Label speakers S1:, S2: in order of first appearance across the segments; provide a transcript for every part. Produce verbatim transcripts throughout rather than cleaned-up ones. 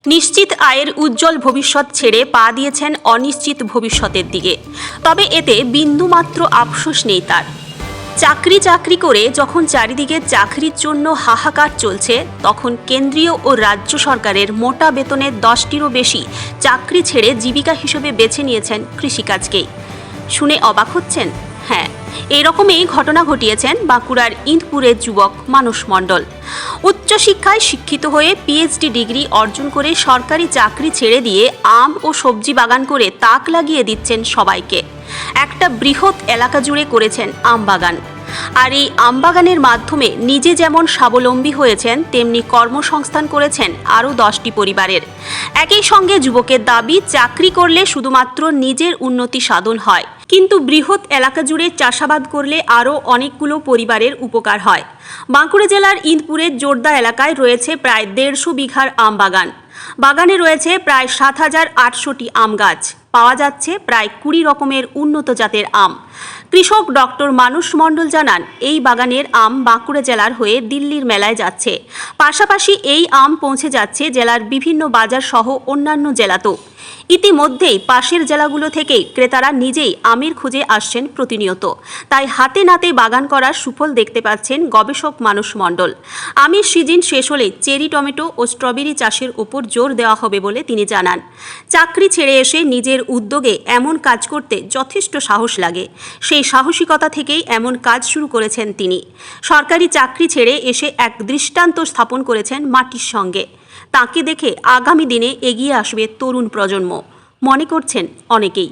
S1: নিশ্চিত আয়ের উজ্জ্বল ভবিষ্যৎ ছেড়ে পা দিয়েছেন অনিশ্চিত ভবিষ্যতের দিকে। তবে এতে বিন্দুমাত্র আফসোস নেই তার। চাকরি চাকরি করে যখন চারিদিকে চাকরির জন্য হাহাকার চলছে, তখন কেন্দ্রীয় ও রাজ্য সরকারের মোটা বেতনের দশটিরও বেশি চাকরি ছেড়ে জীবিকা হিসেবে বেছে নিয়েছেন কৃষিকাজকেই। শুনে অবাক হচ্ছেন? হ্যাঁ, এরকমই ঘটনা ঘটিয়েছেন বাঁকুড়ার ইন্দপুরের যুবক মানস মণ্ডল। উচ্চশিক্ষায় শিক্ষিত হয়ে পিএইচডি ডিগ্রি অর্জন করে সরকারি চাকরি ছেড়ে দিয়ে আম ও সবজি বাগান করে তাক লাগিয়ে দিচ্ছেন সবাইকে। একটা বৃহৎ এলাকা জুড়ে করেছেন আম বাগান। আর এই আম বাগানের মাধ্যমে নিজে যেমন স্বাবলম্বী হয়েছেন, তেমনি কর্মসংস্থান করেছেন আরও দশটি পরিবারের। একই সঙ্গে যুবকের দাবি, চাকরি করলে শুধুমাত্র নিজের উন্নতি সাধন হয়, কিন্তু বৃহৎ এলাকা জুড়ে চাষাবাদ করলে আরও অনেকগুলো পরিবারের উপকার হয়। বাঁকুড়া জেলার ইন্দপুরের জোরদা এলাকায় রয়েছে প্রায় দেড়শো বিঘার আম বাগান। বাগানে রয়েছে প্রায় সাত হাজার আটশোটি আম গাছ। পাওয়া যাচ্ছে প্রায় কুড়ি রকমের উন্নত জাতের আম। কৃষক ডক্টর মানস মণ্ডল জানান, এই বাগানের আম বাঁকুড়া জেলার হয়ে দিল্লির মেলায় যাচ্ছে। পাশাপাশি এই আম পৌঁছে যাচ্ছে জেলার বিভিন্ন বাজার সহ অন্যান্য জেলাতেও। ইতিমধ্যেই পাশের জেলাগুলো থেকে ক্রেতারা নিজেই আমের খোঁজে আসছেন প্রতিনিয়ত। তাই হাতে নাতে বাগান করার সুফল দেখতে পাচ্ছেন গবেষক মানস মণ্ডল। আমের সিজন শেষ হলে চেরি টমেটো ও স্ট্রবেরি চাষের উপর জোর দেওয়া হবে বলে তিনি জানান। চাকরি ছেড়ে এসে নিজের উদ্যোগে এমন কাজ করতে যথেষ্ট সাহস লাগে। সেই সাহসিকতা থেকেই এমন কাজ শুরু করেছেন তিনি। সরকারি চাকরি ছেড়ে এসে এক দৃষ্টান্ত স্থাপন করেছেন মাটির সঙ্গে। তাকে দেখে আগামী দিনে এগিয়ে আসবে তরুণ প্রজন্ম, মনে করছেন অনেকেই।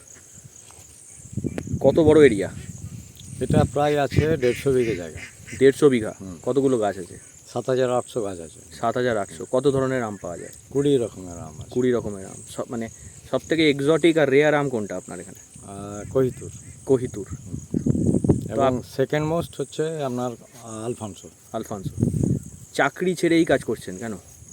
S2: কত বড় এরিয়া
S3: এটা? প্রায় আছে দেড়শো বিঘে জায়গা।
S2: দেড়শো বিঘা। কতগুলো গাছ আছে?
S3: সাত হাজার আটশো গাছ আছে।
S2: সাত হাজার আটশো কত ধরনের আম পাওয়া যায়?
S3: কুড়ি রকমের আম আছে।
S2: কুড়ি রকমের আম। সব মানে সব থেকে এক্সোটিক আর রেয়ার আম কোনটা আপনার এখানে?
S3: কহিতুর।
S2: কহিতুর।
S3: এবং সেকেন্ড মোস্ট হচ্ছে আপনার আলফানসো।
S2: আলফানসো। চাকরি ছেড়ে এই কাজ করছেন কেন?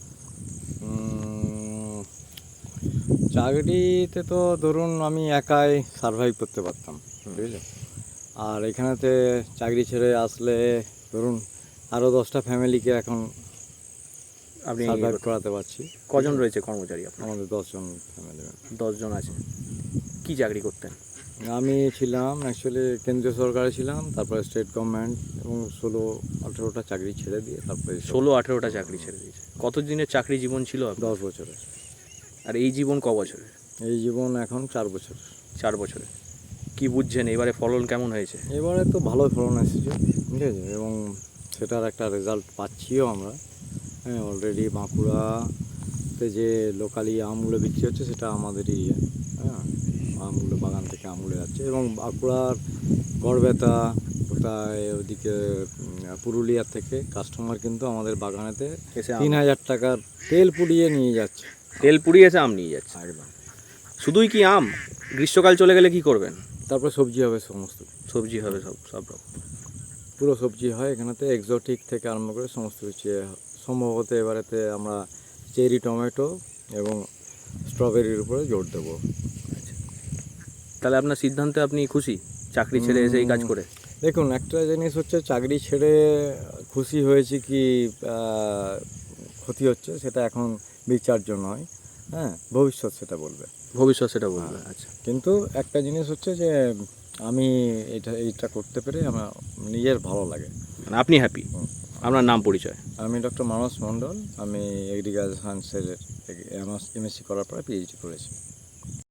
S3: চাকরিতে তো ধরুন আমি একাই সার্ভাইভ করতে পারতাম, বুঝলে। আর এখানেতে চাকরি ছেড়ে আসলে ধরুন আরও দশটা ফ্যামিলিকে এখন
S2: আপনি
S3: সার্ভাইভ করাতে পারছি।
S2: কজন রয়েছে কর্মচারী আপনার?
S3: আমাদের দশজন ফ্যামিলি।
S2: দশজন আছে। কি চাকরি করতেন?
S3: আমি ছিলাম অ্যাকচুয়ালি কেন্দ্রীয় সরকারে ছিলাম, তারপরে স্টেট গভর্নমেন্ট, এবং ষোলো আঠেরোটা চাকরি ছেড়ে দিয়ে তারপরে
S2: ষোলো আঠেরোটা চাকরি ছেড়ে দিয়েছে। কত দিনের চাকরি জীবন ছিল?
S3: দশ বছরের।
S2: আর এই জীবন ক বছরের?
S3: এই জীবন এখন চার বছর।
S2: চার বছরে কি বুঝছেন এবারে ফলন কেমন হয়েছে?
S3: এবারে তো ভালো ফলন এসেছে, ঠিক আছে, এবং সেটার একটা রেজাল্ট পাচ্ছিও আমরা। হ্যাঁ, অলরেডি বাঁকুড়াতে যে লোকালি আমগুলো বিক্রি হচ্ছে সেটা আমাদেরই। হ্যাঁ, আমগুলো বাগান থেকে আমগুলো যাচ্ছে, এবং বাঁকুড়ার গড়বেতা, কোথায় ওদিকে পুরুলিয়ার থেকে কাস্টমার কিন্তু আমাদের বাগানেতে তিন হাজার টাকার তেল পুড়িয়ে নিয়ে যাচ্ছে।
S2: তেল পুড়িয়ে এসে আম নিয়ে যাচ্ছে?
S3: একদম।
S2: শুধুই কি আম? গ্রীষ্মকাল চলে গেলে কি করবেন?
S3: তারপরে সবজি হবে, সমস্ত
S2: সবজি হবে, সব সব রকম
S3: পুরো সবজি হয় এখানেতে, এক্সোটিক থেকে আরম্ভ করে সমস্ত কিছু। সম্ভবত এবারেতে আমরা চেরি টমেটো এবং স্ট্রবেরির উপরে জোর দেবো।
S2: আচ্ছা, তাহলে আপনার সিদ্ধান্তে আপনি খুশি চাকরি ছেড়ে এসে এই কাজ করে?
S3: দেখুন, একটা জিনিস হচ্ছে চাকরি ছেড়ে খুশি হয়েছি কি ক্ষতি হচ্ছে সেটা এখন বিচার্য নয়। হ্যাঁ, ভবিষ্যৎ সেটা বলবে।
S2: ভবিষ্যৎ সেটা বলবে। আচ্ছা,
S3: কিন্তু একটা জিনিস হচ্ছে যে আমি এটা এইটা করতে পেরে আমার নিজের ভালো লাগে।
S2: মানে আপনি হ্যাপি? আপনার নাম পরিচয়?
S3: আমি ডক্টর মানস মণ্ডল। আমি এগ্রিকালচার সায়েন্সের এমএসসি করার পরে পিএইচডি করেছি।